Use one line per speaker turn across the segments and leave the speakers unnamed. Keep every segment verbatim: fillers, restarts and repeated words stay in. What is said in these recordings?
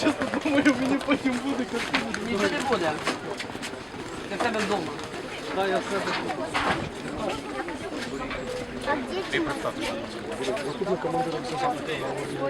чесно думаю, мені потім буде картина.
Нічого не буде. Ти в тебе вдома.
Так, я в себе. Наступний командиром Сазанки.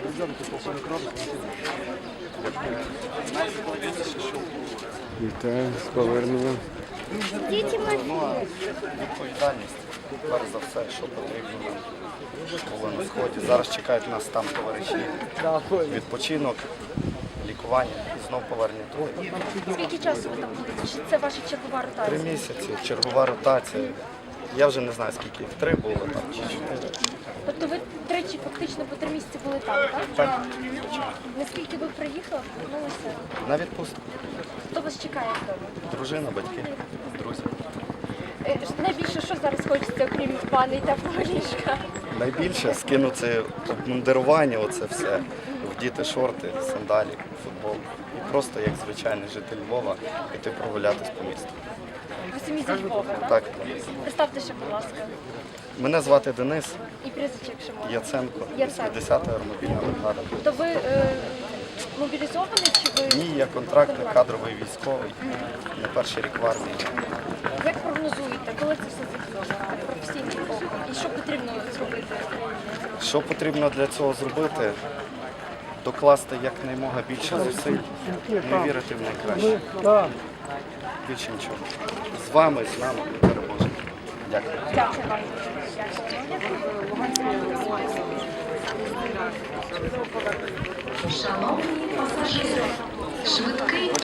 Вітаю, з поверненням.
Ну, відповідальність, перш за все, що потрібно було на сході. Зараз чекають нас там товариші, відпочинок, лікування і знов повернення туди.
Скільки часу ви там будете? Чи це ваша чергова
Три
ротація?
місяці, чергова ротація. Я вже не знаю, скільки їх, три було там чи чотири.
Тобто ви тричі фактично по три місяці були там, так?
Так,
Наскільки ви приїхали, повернулися?
на відпустку.
Хто вас чекає вдома?
Дружина, батьки, друзі.
Е, Найбільше що зараз хочеться, окрім ванни та ліжка?
Найбільше скинути обмундирування, оце все, вдіти шорти, сандалі, футбол. І просто, як звичайний житель Львова, піти прогулятись по місту.
Ви самі зі Львова, так?
Так.
Представте ще, будь ласка.
Мене звати Денис
І прізвище, якщо можна.
Яценко,
Яценко.
десята аеромобільна бригада.
То ви е, мобілізований чи ви
Ні, я контрактний кадровий військовий, на перший рік в армії.
як прогнозуєте, коли це все закінчиться? Професійний оком. І що потрібно зробити?
Що потрібно для цього зробити? Докласти якнаймога більше зусиль, не вірити в найкраще. Більше нічого. З вами, з нами ми переможемо. Дякую.
Дякую вам.
Шановні пасажири, швидкий